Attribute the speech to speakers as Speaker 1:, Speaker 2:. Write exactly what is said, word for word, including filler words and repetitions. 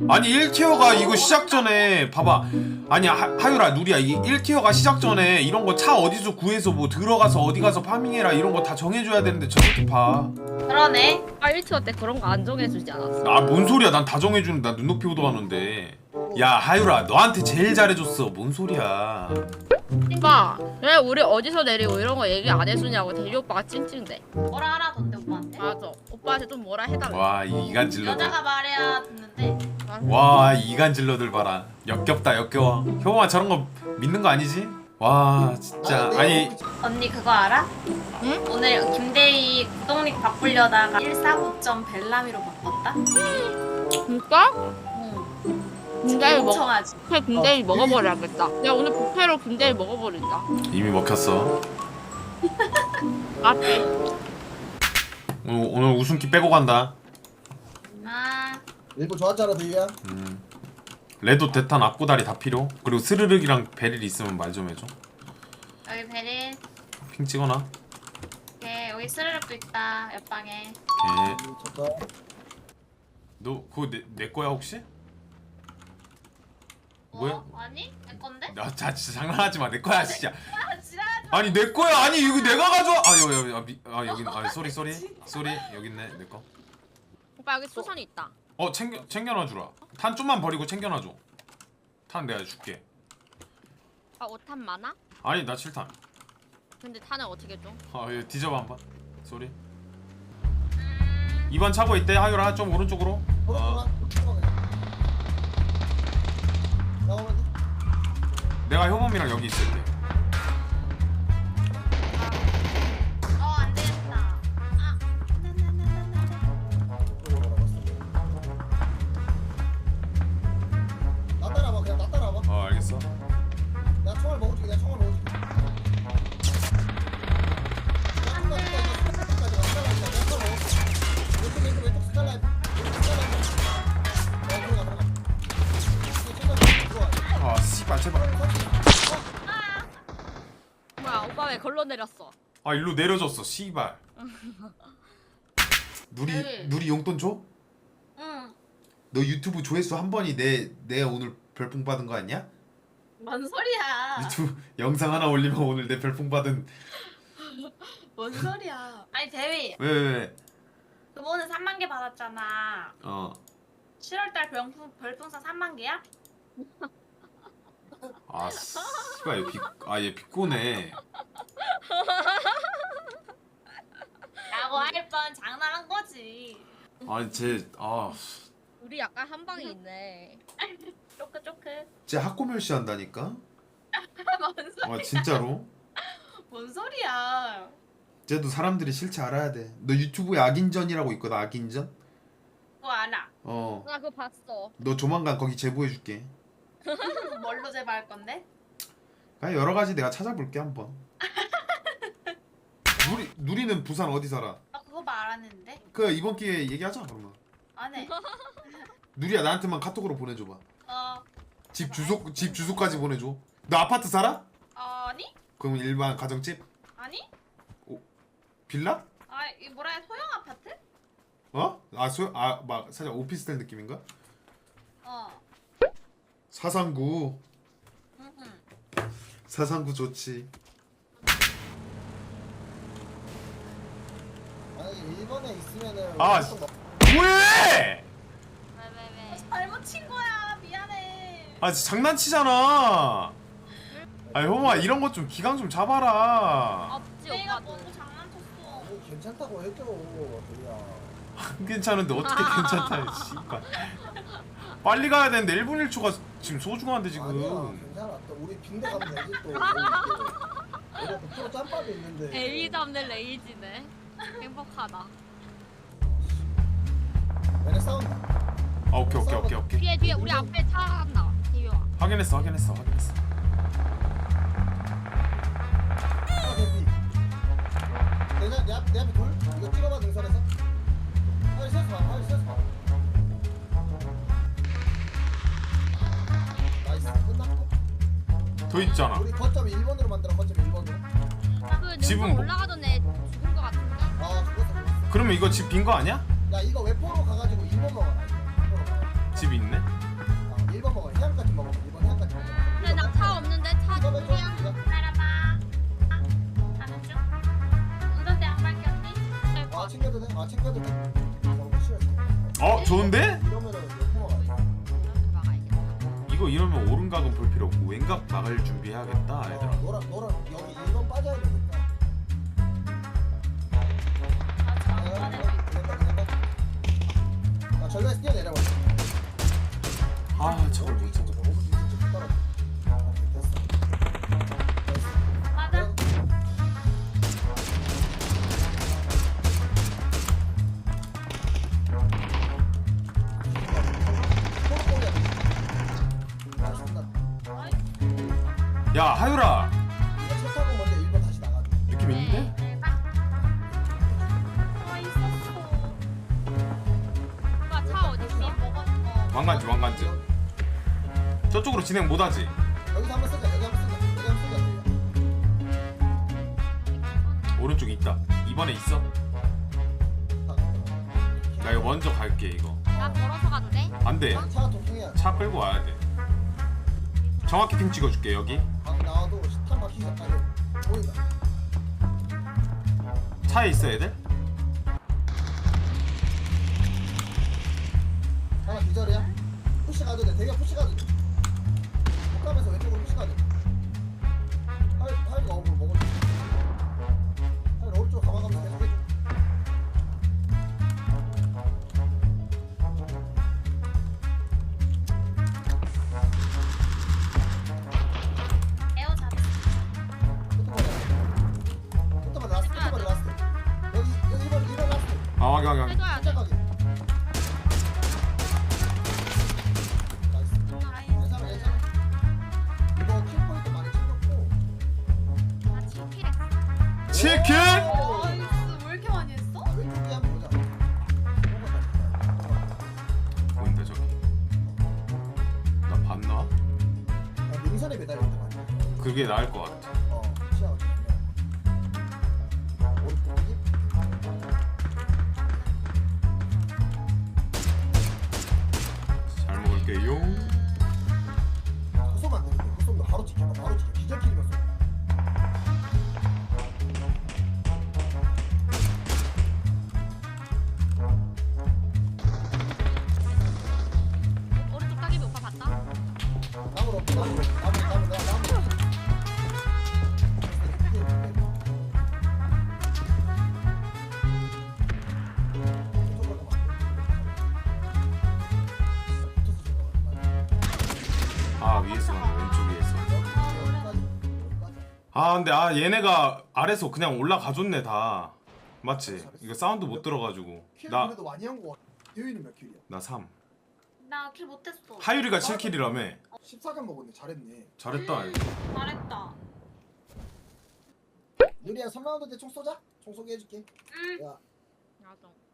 Speaker 1: 아니 일 티어가 이거 시작 전에 봐봐. 아니 하, 하유라 누리야 이 일 티어가 시작 전에 이런 거 차 어디서 구해서 뭐 들어가서 어디 가서 파밍해라 이런 거 다 정해줘야 되는데 저렇게 봐.
Speaker 2: 그러네.
Speaker 3: 아 일 티어 때 그런 거 안 정해주지 않았어?
Speaker 1: 아 뭔 소리야? 난 다 정해주는 나 눈높이 호도하는데. 야 하유라 너한테 제일 잘해줬어. 뭔 소리야?
Speaker 3: 오빠 왜 우리 어디서 내리고 이런 거 얘기 안 해주냐고 대리 오빠가 찡찡대.
Speaker 2: 뭐라 하라던데 오빠한테.
Speaker 3: 맞아. 오빠한테 좀 뭐라 해달라.
Speaker 1: 와 이 이간질러들.
Speaker 2: 여자가 말해야 듣는데.
Speaker 1: 와 이간질러들 봐라. 역겹다 역겨워. 효범아 저런 거 믿는 거 아니지? 와 진짜 아니
Speaker 2: 언니 그거 알아?
Speaker 3: 응?
Speaker 2: 오늘 김대희 구독닉 바꾸려다가 일사구 점 벨라미로 바꿨다?
Speaker 3: 진짜?
Speaker 2: 응.
Speaker 3: 김대희 먹.
Speaker 2: 멍청하지.
Speaker 3: 부패 김대희 먹어버려야겠다. 야 오늘 부패로 김대희 먹어버린다.
Speaker 1: 이미 먹혔어.
Speaker 3: 맞지?
Speaker 1: 오늘, 오늘 웃음기 빼고 간다.
Speaker 2: 아,
Speaker 4: 일부 좋았잖아 대희야.
Speaker 1: 음. 레도 대탄 앞구다리 다 필요. 그리고 스르륵이랑 베릴 있으면 말 좀 해줘.
Speaker 2: 여기 베릴.
Speaker 1: 핑 찍어놔.
Speaker 2: 네, 여기 스르륵도 있다. 옆방에.
Speaker 1: 예.
Speaker 4: 좋다.
Speaker 1: 너 그거 내, 내 거야 혹시? 뭐야?
Speaker 2: 어? 아니? 내 건데?
Speaker 1: 나 자, 진짜 장난하지 마. 내 거야 진짜.
Speaker 2: 아, 지랄하지
Speaker 1: 아니 내 거야. 아니 이거 내가 가져와. 아 여기 여기 아, 미, 아 여기 아 쏘리 쏘리 쏘리 여기 있네 내 거.
Speaker 3: 오빠 여기 수선이 있다.
Speaker 1: 어 챙겨 챙겨놔 주라. 탄 좀만 버리고 챙겨놔 줘. 탄 내가 줄게.
Speaker 3: 아 오탄 많아?
Speaker 1: 아니 나 칠 탄.
Speaker 3: 근데 탄을 어떻게 줘?
Speaker 1: 아 여기 뒤져봐 한번. 쏘리. 이 번 차고 있대. 하유라 좀 오른쪽으로. 어.
Speaker 4: 나오면
Speaker 1: 내가 효범이랑 여기 있을게.
Speaker 2: 어, 안 되겠다. 아,
Speaker 4: 나 따라와 그냥 나 따라와.
Speaker 1: 어 알겠어.
Speaker 4: 내가 총알 먹어줄게. 내가 총알 먹어줄게. 왼쪽 왼쪽 왼쪽 스칼라이프. 왼쪽 스칼라이프. 어 들어가 들어가. 이거 챙겨 들어와.
Speaker 1: 아 씨발 제발.
Speaker 3: 뭐야 오빠 왜 걸러 내렸어?
Speaker 1: 아 일로 내려줬어 씨발. 누리
Speaker 2: 네.
Speaker 1: 누리 용돈 줘?
Speaker 2: 응.
Speaker 1: 너 유튜브 조회수 한 번이 내 내 오늘 별풍 받은 거 아니야?
Speaker 2: 뭔 소리야?
Speaker 1: 유튜브 영상 하나 올리면 오늘 내 별풍 받은.
Speaker 2: 뭔 소리야? 아니 대위,
Speaker 1: 왜 왜 왜?
Speaker 2: 그번에 삼만 개 받았잖아.
Speaker 1: 어.
Speaker 2: 칠월달 별풍 별풍선 삼만 개야?
Speaker 1: 아 씨발 얘 비, 아얘 비꼬네.
Speaker 2: 라고 할 뻔 장난한 거지.
Speaker 1: 아니 쟤아
Speaker 3: 우리 약간 한 방이 있네.
Speaker 2: 쪼크 쪼크.
Speaker 1: 쟤 학고멸시 한다니까?
Speaker 2: 뭔 소리?
Speaker 1: 아 진짜로?
Speaker 2: 뭔 소리야?
Speaker 1: 쟤도 사람들이 실체 알아야 돼. 너 유튜브에 악인전이라고 있거든. 악인전?
Speaker 2: 그거 알아.
Speaker 1: 어.
Speaker 3: 나 그거 봤어.
Speaker 1: 너 조만간 거기 제보해줄게.
Speaker 2: 뭘로 제보할 건데?
Speaker 1: 그냥 여러 가지 내가 찾아볼게 한번. 누리 누리는 부산 어디 살아?
Speaker 2: 아 그거 말하는데?
Speaker 1: 그 이번 기회에 얘기하자 그러면.
Speaker 2: 안 해.
Speaker 1: 누리야 나한테만 카톡으로 보내줘봐.
Speaker 2: 어
Speaker 1: 집 주소 집 주소까지 보내줘. 너 아파트 살아?
Speaker 2: 아니?
Speaker 1: 그럼 일반 가정집?
Speaker 2: 아니?
Speaker 1: 빌라?
Speaker 2: 아 이 뭐라 해 소형 아파트?
Speaker 1: 어? 아 소, 아막 살짝 오피스텔 느낌인가?
Speaker 2: 어.
Speaker 1: 사상구.
Speaker 2: 응.
Speaker 1: 사상구 좋지.
Speaker 4: 아니 일본에 있으면은.
Speaker 1: 아,
Speaker 4: 엄청 막-
Speaker 1: 왜?
Speaker 3: 왜 왜 왜?
Speaker 2: 잘못 친 거야. 미안해.
Speaker 1: 아 진짜 장난치잖아. 아니 효마 이런 것 좀 기강 좀 잡아라.
Speaker 3: 없지
Speaker 2: 내가
Speaker 3: 오빠도.
Speaker 2: 먼저 장난쳤어.
Speaker 4: 아니, 괜찮다고 해줘 대희야.
Speaker 1: 안 괜찮은데 어떻게 괜찮다 씨발. 빨리 가야 되는데 일 분 일 초가 지금 소중한데
Speaker 4: 아니야
Speaker 1: 지금.
Speaker 4: 괜찮아. 또 우리 빈대 가면 되지 또. 내가 백 퍼센트 짬밥이 있는데.
Speaker 3: 에이 잡는 레이지네. 행복하다.
Speaker 4: 얘네 싸운다.
Speaker 1: 아 오케이 오케이 오케이 오케이.
Speaker 3: 뒤에 뒤에 우리 앞에 차 간다. 대유아.
Speaker 1: 확인했어 확인했어 확인했어.
Speaker 4: 아 대비. 내가 내, 앞, 내 앞에 돌? 이거 찍어봐 등산에서. 빨리 세서 봐. 빨리 세서 봐. 나이스 끝났고.
Speaker 1: 더 있잖아.
Speaker 4: 우리 거점 일 번으로 만들어. 거점 일 번으로.
Speaker 3: 그
Speaker 1: 집은
Speaker 3: 능선
Speaker 1: 뭐-
Speaker 3: 올라가던 애 죽은 거 같은데.
Speaker 4: 아 죽었어 죽었어.
Speaker 1: 그러면 이거 집 빈 거 아니야?
Speaker 4: 야 이거 웨포로 가가지고 일 번 먹어라. 일 번 먹어라.
Speaker 1: 집 있네. 좋은데?
Speaker 4: 이러면은 옆으로 가야 돼.
Speaker 3: 이렇게 막아야겠다.
Speaker 1: 이거 이러면 오른각은 볼 필요 없고 왼각 막을 준비해야겠다 얘들아.
Speaker 4: 어, 너랑 너랑 여기 일 번 빠져야 되니까.
Speaker 2: 아직 안
Speaker 4: 내가
Speaker 2: 꺼내고
Speaker 4: 그냥
Speaker 2: 있고.
Speaker 4: 그냥 그냥 나 전략에서 뛰어내려봐.
Speaker 1: 아 저걸 못 찾아.
Speaker 2: 맞아.
Speaker 1: 야 하유라
Speaker 4: 차 타고 먼저 일 번 다시 나가.
Speaker 1: 느낌 있는데?
Speaker 2: 아 있었어.
Speaker 3: 오빠 차 어디 있어?
Speaker 2: 먹었어.
Speaker 1: 왕관지 왕관지. 저쪽으로 진행 못하지?
Speaker 4: 여기서 한번 쓰자. 여기 한번 쓰자. 여기 한번 쓰자.
Speaker 1: 오른쪽에 있다. 이번에 있어? 나 이거 먼저 갈게 이거.
Speaker 3: 나 걸어서 가도 돼?
Speaker 1: 안돼.
Speaker 4: 차가 통통해야 돼.
Speaker 1: 차 끌고 와야 돼. 정확히 핑 찍어줄게 여기.
Speaker 4: 방 나와도 탄 막히기 전까지 보인다.
Speaker 1: 차에 있어 애들?
Speaker 4: 하나 기절이야. 푸시 가도 돼. 대기업 푸시 가도 돼. 못 가면서 왼쪽으로 푸시 가도 돼. 하이 하이가 어그로 먹을 수 있어. 하이 오른쪽 가만가면서 계속 해줘.
Speaker 2: 에어 잡.
Speaker 4: 끝머리 라스트. 끝머리 라스트. 여기 여기 이번 이번 라스트.
Speaker 1: 아 확인 확인 확인.
Speaker 3: 해줘야 돼.
Speaker 4: 시작하게. 나이스. 괜찮아 괜찮아. 이거 킬 포인트 많이 챙겼고.
Speaker 3: 나 칠 킬 했어.
Speaker 1: 치킨?
Speaker 2: 나이스. 왜 이렇게 많이 했어?
Speaker 4: 아, 왼쪽에 한번 보자.
Speaker 1: 보인다 저기. 나 봤나?
Speaker 4: 아, 능선에 매달려 있는 거 아니야?
Speaker 1: 그게 나을 것 같아.
Speaker 4: 어, 시야가 좀 애매하네. 오른쪽 힙.
Speaker 1: 잘 먹을게요.
Speaker 4: 헛소면 안 되는데 헛소면 바로 찍혀 바로 찍혀 기절킬이면 쏘.
Speaker 3: 오른쪽 따기비 오빠 봤다?
Speaker 4: 나무로 나무로 나무 나무 나무 나무
Speaker 1: 아 위에서 가네 왼쪽 위에서. 아 근데 아 얘네가 아래서 그냥 올라가줬네 다. 맞지? 이거 사운드 못 들어가지고.
Speaker 4: 킬
Speaker 1: 나
Speaker 4: 그래도 많이 한 거 같아. 대휘는 몇 킬이야?
Speaker 1: 나 삼.
Speaker 2: 나 킬 못했어.
Speaker 1: 하유리가 칠 킬이라며.
Speaker 4: 십사 점 먹었네. 잘했네.
Speaker 1: 잘했다 이거.
Speaker 2: 잘했다.
Speaker 4: 유리야 삼 라운드 때 총 쏘자. 총 쏘게 해줄게.
Speaker 2: 응.
Speaker 4: 야
Speaker 3: 나도.